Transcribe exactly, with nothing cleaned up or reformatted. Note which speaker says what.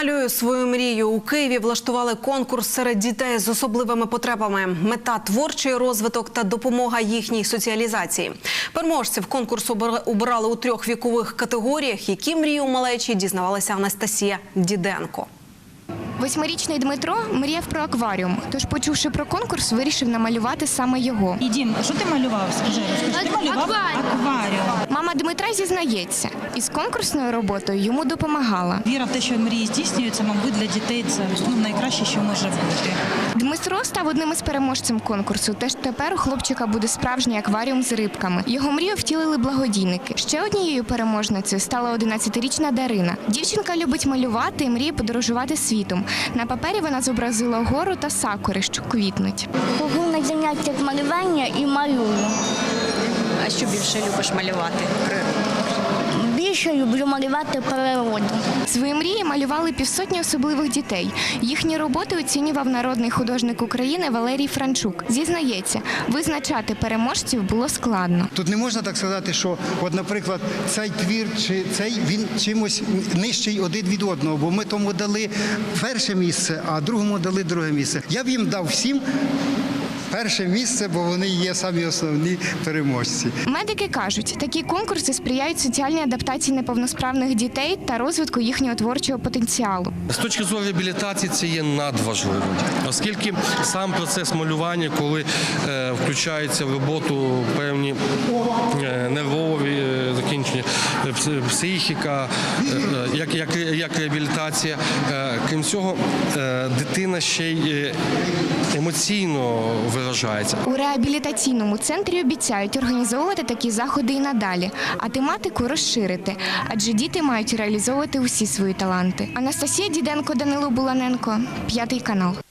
Speaker 1: Малюю свою мрію. У Києві влаштували конкурс серед дітей з особливими потребами. Мета – творчий розвиток та допомога їхній соціалізації. Переможців конкурсу обирали у трьох вікових категоріях. Які мрії у малечі, дізнавалася Анастасія Діденко.
Speaker 2: Восьмирічний Дмитро мріяв про акваріум, тож, почувши про конкурс, вирішив намалювати саме його.
Speaker 3: І, Дім, що ти малював? Скажи, розкажи. Ти малював акваріум.
Speaker 2: Мама Дмитра зізнається, із конкурсною роботою йому допомагала.
Speaker 3: Віра в те, що мрії здійснюються, мабуть, для дітей це ну, найкраще, що може бути.
Speaker 2: Дмитро став одним із переможців конкурсу, теж тепер у хлопчика буде справжній акваріум з рибками. Його мрію втілили благодійники. Ще однією переможницею стала одинадцятирічна Дарина. Дівчинка любить малювати і мріє подорожувати світом. На папері вона зобразила гору та сакури, що квітнуть.
Speaker 4: Ходжу на заняття з малювання і малюю.
Speaker 5: А що більше любиш малювати?
Speaker 4: Більше люблю малювати природу.
Speaker 2: Свої мрії малювали півсотні особливих дітей. Їхні роботи оцінював народний художник України Валерій Франчук. Зізнається, визначати переможців було складно.
Speaker 6: Тут не можна так сказати, що, от, наприклад, цей твір чи цей, він чимось нижчий один від одного, бо ми тому дали перше місце, а другому дали друге місце. Я б їм дав всім перше місце, бо вони є самі основні переможці.
Speaker 2: Медики кажуть, такі конкурси сприяють соціальній адаптації неповносправних дітей та розвитку їхнього творчого потенціалу.
Speaker 7: З точки зору реабілітації це є надважливо, оскільки сам процес малювання, коли е, включаються в роботу певні е, нервові е, закінчення, е, психіка, е, як, як, як реабілітація, е, крім цього, е, дитина ще й емоційно виражається.
Speaker 2: У реабілітаційному центрі обіцяють організовувати такі заходи і надалі, а тематику розширити, адже діти мають реалізовувати усі свої таланти. Анастасія Діденко, Данило Буланенко, П'ятий канал.